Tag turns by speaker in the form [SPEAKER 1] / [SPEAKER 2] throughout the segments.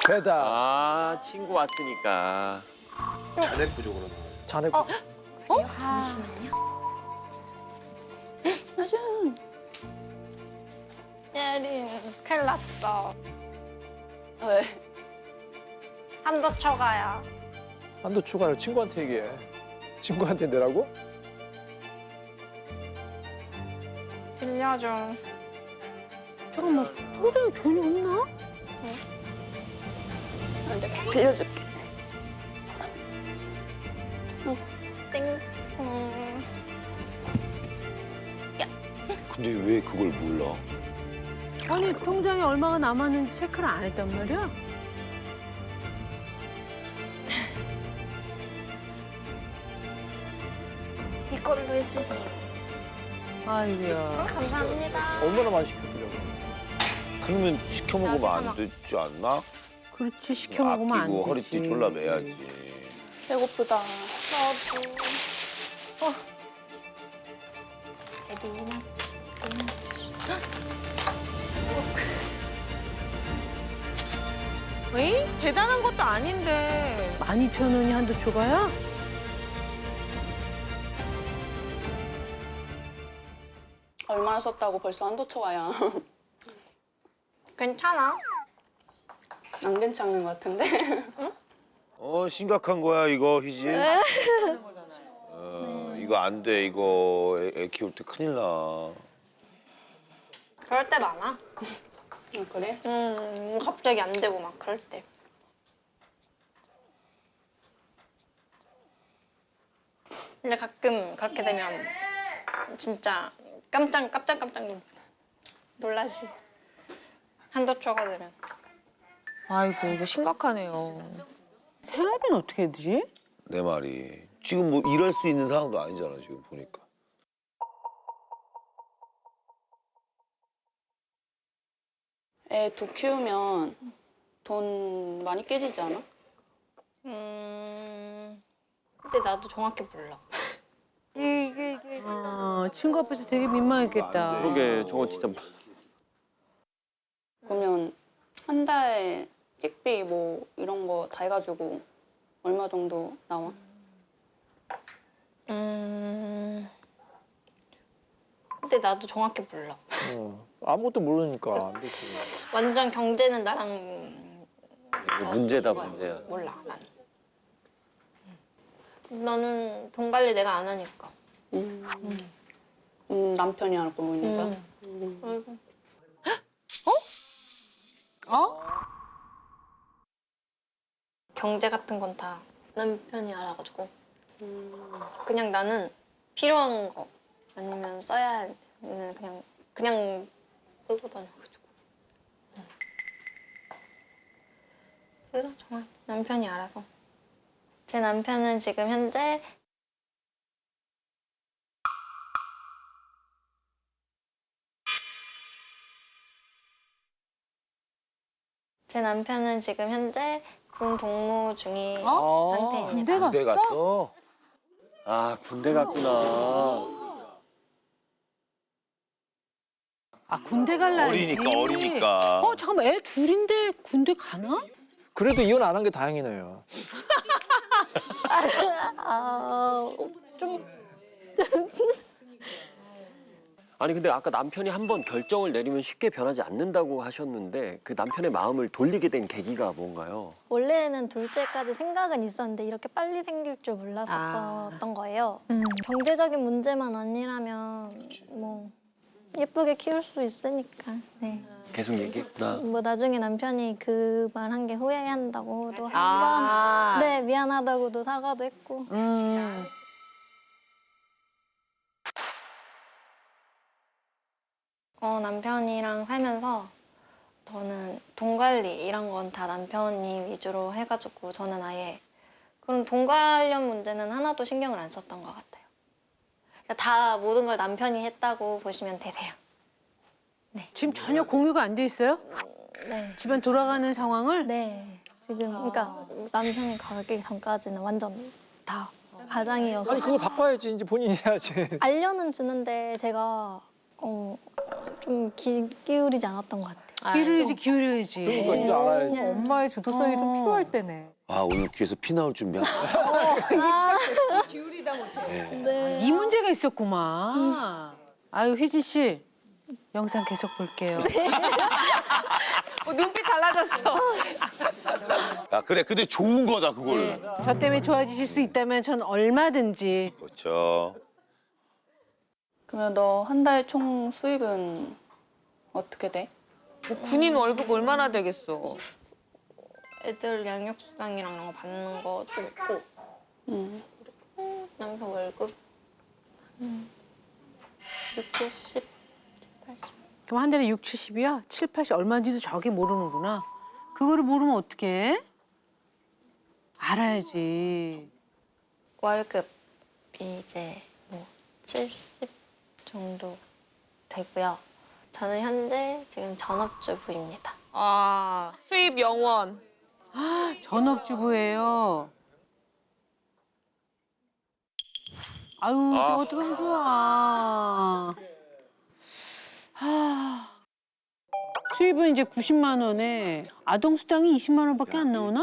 [SPEAKER 1] 배달.
[SPEAKER 2] 아, 친구 왔으니까.
[SPEAKER 3] 잔액 부족으로.
[SPEAKER 1] 잔액.
[SPEAKER 4] 잠시만요. 예린, 큰일 났어.
[SPEAKER 5] 왜?
[SPEAKER 4] 한도 초과야.
[SPEAKER 1] 한도 추가를 친구한테 얘기해. 친구한테 내라고?
[SPEAKER 4] 빌려줘.
[SPEAKER 6] 잠깐만, 통장에 돈이 없나?
[SPEAKER 5] 내가 빌려줄게.
[SPEAKER 4] 땡.
[SPEAKER 7] 근데 왜 그걸 몰라?
[SPEAKER 6] 아니, 통장에 얼마가 남았는지 체크를 안 했단 말이야?
[SPEAKER 4] 이걸로 해주세요.
[SPEAKER 6] 아이고야.
[SPEAKER 4] 감사합니다.
[SPEAKER 1] 얼마나 많이 시켜주려고.
[SPEAKER 7] 그러면 시켜 먹으면 안 되지 않나?
[SPEAKER 6] 그렇지, 시켜 먹으면 안
[SPEAKER 7] 아끼고
[SPEAKER 6] 되지.
[SPEAKER 7] 허리띠 졸라 매야지.
[SPEAKER 5] 배고프다.
[SPEAKER 4] 저도. 예린아.
[SPEAKER 8] 에이? 대단한 것도 아닌데.
[SPEAKER 6] 12,000원이 한도 초과야?
[SPEAKER 5] 얼마나 썼다고 벌써 한도 초과야.
[SPEAKER 4] 괜찮아?
[SPEAKER 5] 안 괜찮은 것 같은데?
[SPEAKER 7] 심각한 거야 이거 희진. 이거 안 돼. 이거 애 키울 때 큰일 나.
[SPEAKER 4] 그럴 때 많아.
[SPEAKER 5] 그래?
[SPEAKER 4] 갑자기 안 되고 막 그럴 때. 근데 가끔 그렇게 되면 진짜 깜짝 놀라지. 한도 초과되면.
[SPEAKER 8] 아이고, 이거 심각하네요.
[SPEAKER 6] 생활비는 어떻게 해야 되지?
[SPEAKER 7] 내 말이. 지금 뭐 일할 수 있는 상황도 아니잖아 지금 보니까.
[SPEAKER 5] 애 두 키우면 돈 많이 깨지지 않아?
[SPEAKER 4] 근데 나도 정확히 몰라.
[SPEAKER 6] 친구 앞에서 되게 민망했겠다.
[SPEAKER 2] 그러게, 저거 진짜.
[SPEAKER 5] 그러면 한 달 식비 뭐 이런 거 다 해가지고 얼마 정도 나와?
[SPEAKER 4] 근데 나도 정확히 몰라.
[SPEAKER 1] 아무것도 모르니까 안 되지.
[SPEAKER 4] 완전 경제는 나랑
[SPEAKER 2] 이거 문제다, 문제야.
[SPEAKER 4] 몰라 난. 나는 돈 관리 내가 안 하니까.
[SPEAKER 5] 남편이 알고 있는 거야?
[SPEAKER 4] 아이고. 경제 같은 건 다 남편이 알아가지고 그냥 나는 필요한 거 아니면 써야 하는 그냥 쓰고 다녀가지고. 몰라 정말 남편이 알아서. 제 남편은 지금 현재 군 복무 중인 상태입니다.
[SPEAKER 6] 군대 갔어?
[SPEAKER 7] 군대 갔어?
[SPEAKER 2] 아, 군대 갔구나.
[SPEAKER 6] 군대 갈 나이지.
[SPEAKER 7] 어리니까.
[SPEAKER 6] 잠깐만, 애 둘인데 군대 가나?
[SPEAKER 1] 그래도 이혼 안 한 게 다행이네요.
[SPEAKER 4] 좀
[SPEAKER 2] 아니, 근데 아까 남편이 한 번 결정을 내리면 쉽게 변하지 않는다고 하셨는데 그 남편의 마음을 돌리게 된 계기가 뭔가요?
[SPEAKER 4] 원래는 둘째까지 생각은 있었는데 이렇게 빨리 생길 줄 몰랐었던 거예요. 경제적인 문제만 아니라면 뭐 예쁘게 키울 수 있으니까. 네.
[SPEAKER 2] 계속 얘기했구나.
[SPEAKER 4] 뭐 나중에 남편이 그 말 한 게 후회한다고도 한
[SPEAKER 8] 아.
[SPEAKER 4] 번, 네 미안하다고도 사과도 했고. 남편이랑 살면서 저는 돈 관리 이런 건 다 남편이 위주로 해가지고 저는 아예 그런 돈 관련 문제는 하나도 신경을 안 썼던 것 같아요. 그러니까 다 모든 걸 남편이 했다고 보시면 되세요.
[SPEAKER 6] 지금 전혀 공유가 안 돼 있어요?
[SPEAKER 4] 네.
[SPEAKER 6] 집안 돌아가는 상황을?
[SPEAKER 4] 네. 지금 그러니까 남편이 가기 전까지는 완전 다 가장이어서
[SPEAKER 1] 아니 그걸 바꿔야지 이제 본인이 해야지.
[SPEAKER 4] 알려는 주는데 제가 좀 기울이지 않았던 것 같아요.
[SPEAKER 6] 기울여야지.
[SPEAKER 1] 그러니까 이제 알아야지.
[SPEAKER 3] 엄마의 주도성이 좀 필요할 때네.
[SPEAKER 7] 아 오늘 귀에서 피 나올 준비한.
[SPEAKER 4] 네.
[SPEAKER 6] 이 문제가 있었구만. 아유, 휘진 씨. 영상 계속 볼게요.
[SPEAKER 8] 눈빛 달라졌어.
[SPEAKER 7] 야 그래 근데 좋은 거다 그걸.
[SPEAKER 6] 저 때문에 좋아지실 수 있다면 전 얼마든지.
[SPEAKER 7] 그렇죠.
[SPEAKER 5] 그러면 너 한 달 총 수입은 어떻게 돼?
[SPEAKER 8] 군인 월급 얼마나 되겠어.
[SPEAKER 4] 애들 양육수당이랑 이런 거 받는 거 좀 있고
[SPEAKER 5] 음.
[SPEAKER 4] 남편 월급 60, 80.
[SPEAKER 6] 그럼 한 달에 6, 70이야? 7, 80 얼마인지도 저게 모르는구나. 그거를 모르면 어떡해? 알아야지.
[SPEAKER 4] 월급이 이제 뭐 70 정도 되고요. 저는 현재 지금 전업주부입니다.
[SPEAKER 8] 아, 수입 영원.
[SPEAKER 6] 전업주부예요. 아유, 그거 어떡하면 좋아. 수입은 이제 90만 원에 아동수당이 20만 원밖에 안 나오나?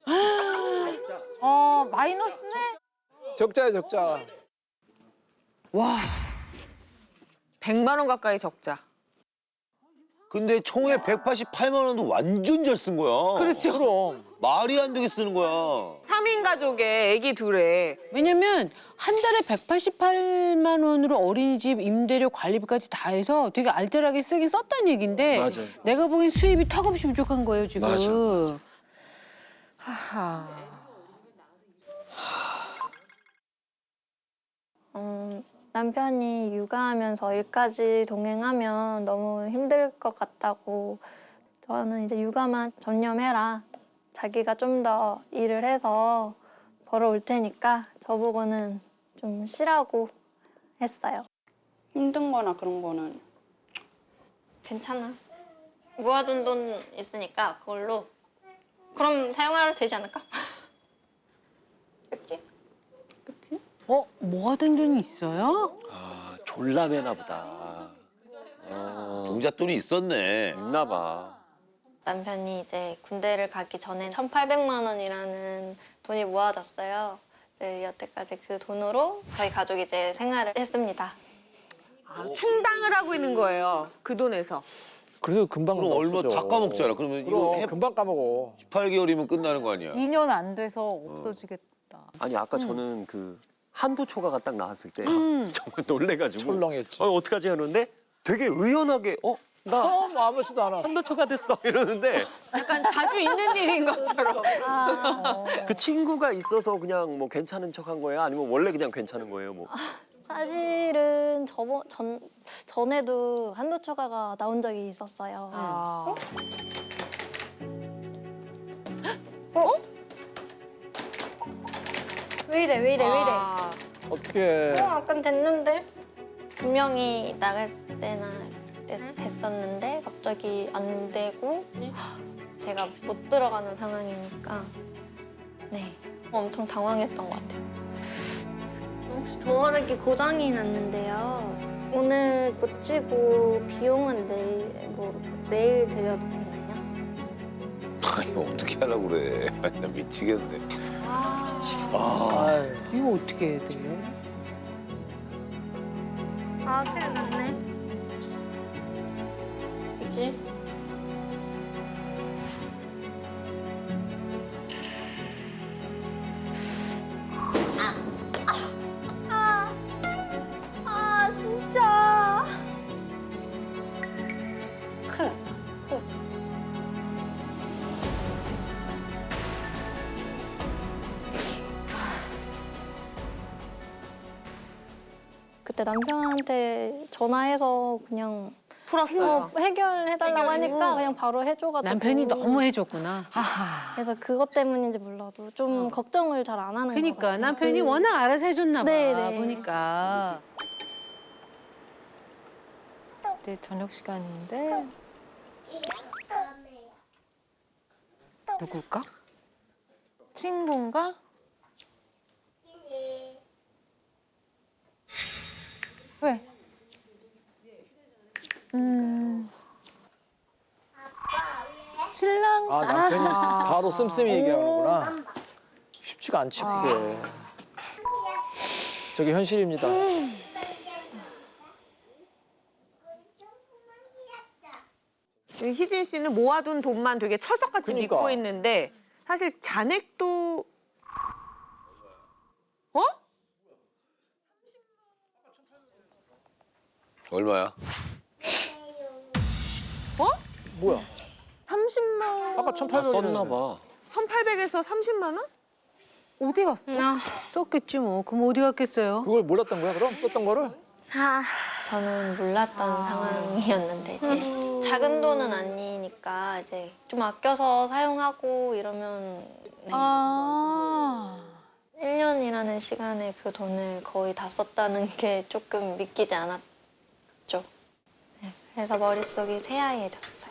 [SPEAKER 3] 마이너스네?
[SPEAKER 1] 적자야 적자.
[SPEAKER 8] 와. 100만 원 가까이 적자.
[SPEAKER 7] 근데 총에 188만 원도 완전 잘 쓴 거야.
[SPEAKER 6] 그렇죠.
[SPEAKER 1] 그럼.
[SPEAKER 7] 말이 안 되게 쓰는 거야.
[SPEAKER 8] 3인 가족에 아기 둘에.
[SPEAKER 6] 왜냐면 한 달에 188만 원으로 어린이집 임대료 관리비까지 다 해서 되게 알뜰하게 쓰긴 썼단 얘긴데
[SPEAKER 2] 맞아요.
[SPEAKER 6] 내가 보기엔 수입이 턱없이 부족한 거예요 지금.
[SPEAKER 2] 맞아.
[SPEAKER 3] 하하.
[SPEAKER 4] 남편이 육아하면서 일까지 동행하면 너무 힘들 것 같다고 저는 이제 육아만 전념해라. 자기가 좀 더 일을 해서 벌어올 테니까 저보고는 좀 쉬라고 했어요.
[SPEAKER 5] 힘든 거나 그런 거는
[SPEAKER 4] 괜찮아. 모아둔 돈 있으니까 그걸로 그럼 사용하면 되지 않을까? 그치?
[SPEAKER 6] 모아둔 돈이 있어요?
[SPEAKER 2] 아 졸라 매나 보다.
[SPEAKER 7] 종잣돈이 있었네.
[SPEAKER 2] 있나 봐.
[SPEAKER 4] 남편이 이제 군대를 가기 전에 1,800만 원이라는 돈이 모아졌어요. 이제 여태까지 그 돈으로 저희 가족이 이제 생활을 했습니다.
[SPEAKER 8] 아, 충당을 하고 있는 거예요. 그 돈에서.
[SPEAKER 1] 그래도 금방
[SPEAKER 7] 그럼 얼마
[SPEAKER 1] 없어져.
[SPEAKER 7] 다 까먹잖아. 그러면 이거
[SPEAKER 1] 그럼 금방 까먹어.
[SPEAKER 7] 18개월이면 끝나는 거 아니야.
[SPEAKER 3] 2년 안 돼서 없어지겠다.
[SPEAKER 2] 아니 아까 저는 그 한도 초과가 딱 나왔을 때 정말 놀래가지고
[SPEAKER 1] 철렁했지.
[SPEAKER 2] 어떡하지 하는데 되게 의연하게 나
[SPEAKER 1] 뭐 아무렇지도 않아.
[SPEAKER 2] 한도 초과됐어 이러는데
[SPEAKER 8] 약간 자주 있는 일인 것처럼.
[SPEAKER 2] 그 친구가 있어서 그냥 뭐 괜찮은 척한 거예요? 아니면 원래 그냥 괜찮은 거예요? 뭐
[SPEAKER 4] 사실은 전에도 한도 초과가 나온 적이 있었어요.
[SPEAKER 8] 아.
[SPEAKER 4] 왜 이래?
[SPEAKER 8] 아.
[SPEAKER 1] 어떻게?
[SPEAKER 4] 약간 됐는데 분명히 나갈 때나 그때 됐었는데 갑자기 안 되고 제가 못 들어가는 상황이니까 네 엄청 당황했던 것 같아요. 혹시 도어락이 고장이 났는데요. 오늘 고치고 비용은 내일 드려도 되나요?
[SPEAKER 7] 아니 어떻게 하려고 그래. 아니, 나 미치겠네.
[SPEAKER 1] 아유.
[SPEAKER 6] 이거 어떻게 해야 돼?
[SPEAKER 4] 아 큰일 났네. 그치? 진짜. 큰일 났다. 큰일 났다. 그때 남편한테 전화해서 그냥
[SPEAKER 8] 풀었어요.
[SPEAKER 4] 해결해달라고 하니까 그냥 바로 해줘가지고
[SPEAKER 6] 남편이 너무 해줬구나.
[SPEAKER 4] 그래서 그것 때문인지 몰라도 좀 걱정을 잘 안 하는 것
[SPEAKER 6] 그러니까
[SPEAKER 4] 같아요.
[SPEAKER 6] 남편이 워낙 알아서 해줬나 봐.
[SPEAKER 4] 네네.
[SPEAKER 6] 보니까.
[SPEAKER 3] 이제 저녁 시간인데. 누굴까? 친구인가? 왜? 신랑.
[SPEAKER 1] 아 남편이 바로 씀씀이 얘기하는구나. 쉽지가 않지 그게. 저게 현실입니다.
[SPEAKER 8] 희진 씨는 모아둔 돈만 되게 철석같이
[SPEAKER 1] 그러니까.
[SPEAKER 8] 믿고 있는데 사실 잔액도
[SPEAKER 7] 얼마야?
[SPEAKER 1] 뭐야?
[SPEAKER 3] 30만.
[SPEAKER 1] 아까
[SPEAKER 2] 다
[SPEAKER 1] 1,800원
[SPEAKER 2] 썼나 봐.
[SPEAKER 8] 1,800에서 30만 원?
[SPEAKER 3] 어디 갔어?
[SPEAKER 6] 썼겠지 뭐. 그럼 어디 갔겠어요?
[SPEAKER 1] 그걸 몰랐던 거야 그럼? 썼던 거를?
[SPEAKER 4] 저는 몰랐던 상황이었는데 이제 작은 돈은 아니니까 이제 좀 아껴서 사용하고 이러면 네.
[SPEAKER 3] 아.
[SPEAKER 4] 1년이라는 시간에 그 돈을 거의 다 썼다는 게 조금 믿기지 않았죠. 네, 그래서 머릿속이 새하얘졌어요.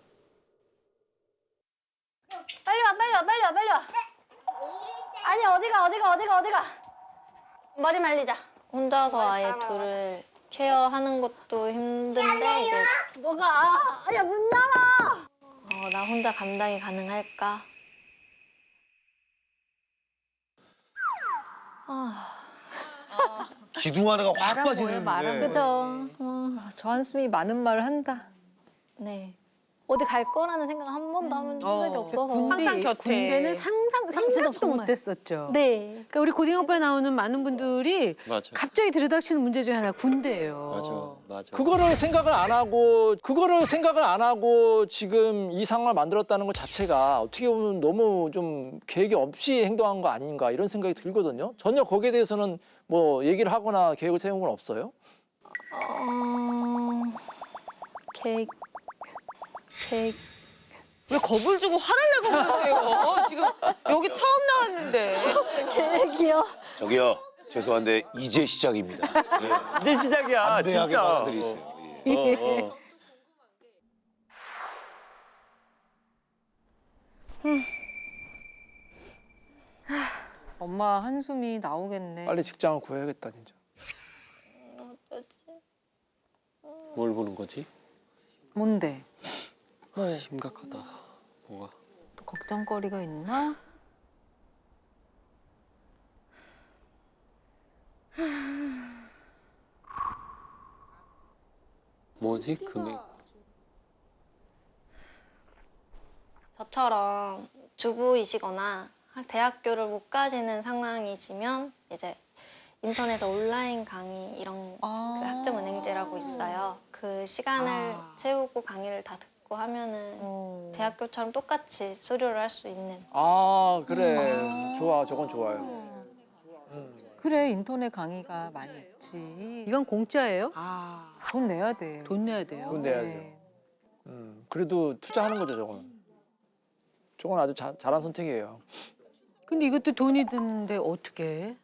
[SPEAKER 4] 빨리 와, 빨리 와, 빨리 와, 빨리 와. 아니 어디가. 머리 말리자. 혼자서 아예 둘을 케어하는 것도 힘든데 이게 뭐가 야 문 열어. 나 혼자 감당이 가능할까?
[SPEAKER 7] 기둥 하나가 확 빠지는.
[SPEAKER 4] 그죠.
[SPEAKER 3] 저 한숨이 많은 말을 한다.
[SPEAKER 4] 네. 어디 갈 거라는 생각 한 번도 한 적이 없어서.
[SPEAKER 8] 항상 곁에.
[SPEAKER 6] 군대는 상상도
[SPEAKER 4] 정말.
[SPEAKER 6] 못했었죠.
[SPEAKER 4] 네.
[SPEAKER 6] 그러니까 우리 고딩 오빠에 나오는 많은 분들이
[SPEAKER 2] 맞아.
[SPEAKER 6] 갑자기 들이닥치는 문제 중에 하나가 군대예요.
[SPEAKER 2] 맞아.
[SPEAKER 1] 그거를 생각을 안 하고 지금 이 상황을 만들었다는 것 자체가 어떻게 보면 너무 좀 계획이 없이 행동한 거 아닌가 이런 생각이 들거든요. 전혀 거기에 대해서는 뭐 얘기를 하거나 계획을 세운 건 없어요?
[SPEAKER 4] 계획.
[SPEAKER 8] 왜 겁을 주고 화를 내고 그러세요? 지금 여기 처음 나왔는데.
[SPEAKER 4] 계획이요?
[SPEAKER 7] 저기요. 죄송한데 이제 시작입니다.
[SPEAKER 2] 이제 시작이야,
[SPEAKER 7] 안대하게
[SPEAKER 2] 진짜.
[SPEAKER 7] 받아들이세요. 예.
[SPEAKER 3] 엄마 한숨이 나오겠네.
[SPEAKER 1] 빨리 직장을 구해야겠다 진짜.
[SPEAKER 2] 뭘 보는 거지?
[SPEAKER 3] 뭔데?
[SPEAKER 2] 심각하다. 뭐가?
[SPEAKER 3] 또 걱정거리가 있나?
[SPEAKER 2] 뭐지? 금액.
[SPEAKER 4] 저처럼 주부이시거나 대학교를 못 가시는 상황이시면 이제 인터넷에 온라인 강의 이런 그 학점은행제라고 있어요. 그 시간을 채우고 강의를 다 듣고 하면은 대학교처럼 똑같이 수료를 할 수 있는.
[SPEAKER 1] 아 그래. 좋아 저건 좋아요.
[SPEAKER 3] 그래 인터넷 강의가 많이 있지.
[SPEAKER 6] 이건 공짜예요?
[SPEAKER 3] 돈 내야 돼.
[SPEAKER 6] 돈 내야 돼요.
[SPEAKER 1] 돈 내야
[SPEAKER 3] 네.
[SPEAKER 1] 돼. 그래도 투자하는 거죠 저건. 저건 아주 잘한 선택이에요.
[SPEAKER 6] 근데 이것도 돈이 드는데 어떻게 해?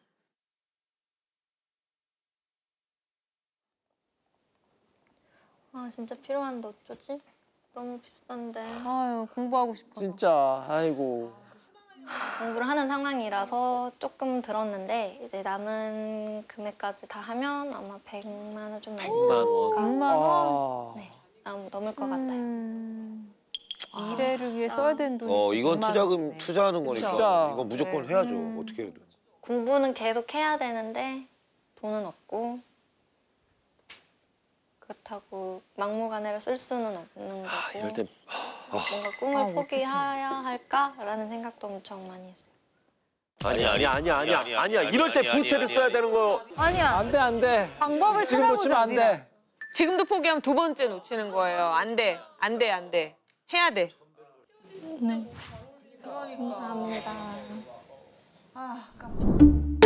[SPEAKER 4] 진짜 필요한데 어쩌지? 너무 비싼데.
[SPEAKER 3] 아유 공부하고 싶어서.
[SPEAKER 1] 진짜 아이고.
[SPEAKER 4] 공부를 하는 상황이라서 조금 들었는데 이제 남은 금액까지 다 하면 아마 100만 원 좀 넘을
[SPEAKER 2] 100만 원.
[SPEAKER 3] 100만 원.
[SPEAKER 4] 네, 넘을 것 같아요.
[SPEAKER 3] 미래를 위해 써야 되는 돈이
[SPEAKER 7] 이건
[SPEAKER 3] 100만
[SPEAKER 7] 투자금
[SPEAKER 3] 원이네.
[SPEAKER 7] 투자하는 거니까
[SPEAKER 1] 진짜.
[SPEAKER 7] 이건 무조건 해야죠. 어떻게 해도.
[SPEAKER 4] 공부는 계속 해야 되는데 돈은 없고 그렇다고 막무가내로 쓸 수는 없는 거고
[SPEAKER 2] 이럴 땐
[SPEAKER 4] 뭔가 꿈을 포기해야 할까라는 생각도 엄청 많이 했어요.
[SPEAKER 2] 아니야. 이럴 때 부채를 써야 되는 거.
[SPEAKER 3] 아니야.
[SPEAKER 1] 안 돼.
[SPEAKER 3] 방법을
[SPEAKER 1] 지금 놓치면
[SPEAKER 3] 찾아보자.
[SPEAKER 1] 안 돼.
[SPEAKER 8] 지금도 포기하면 두 번째 놓치는 거예요. 안 돼. 해야 돼.
[SPEAKER 4] 네. 감사합니다.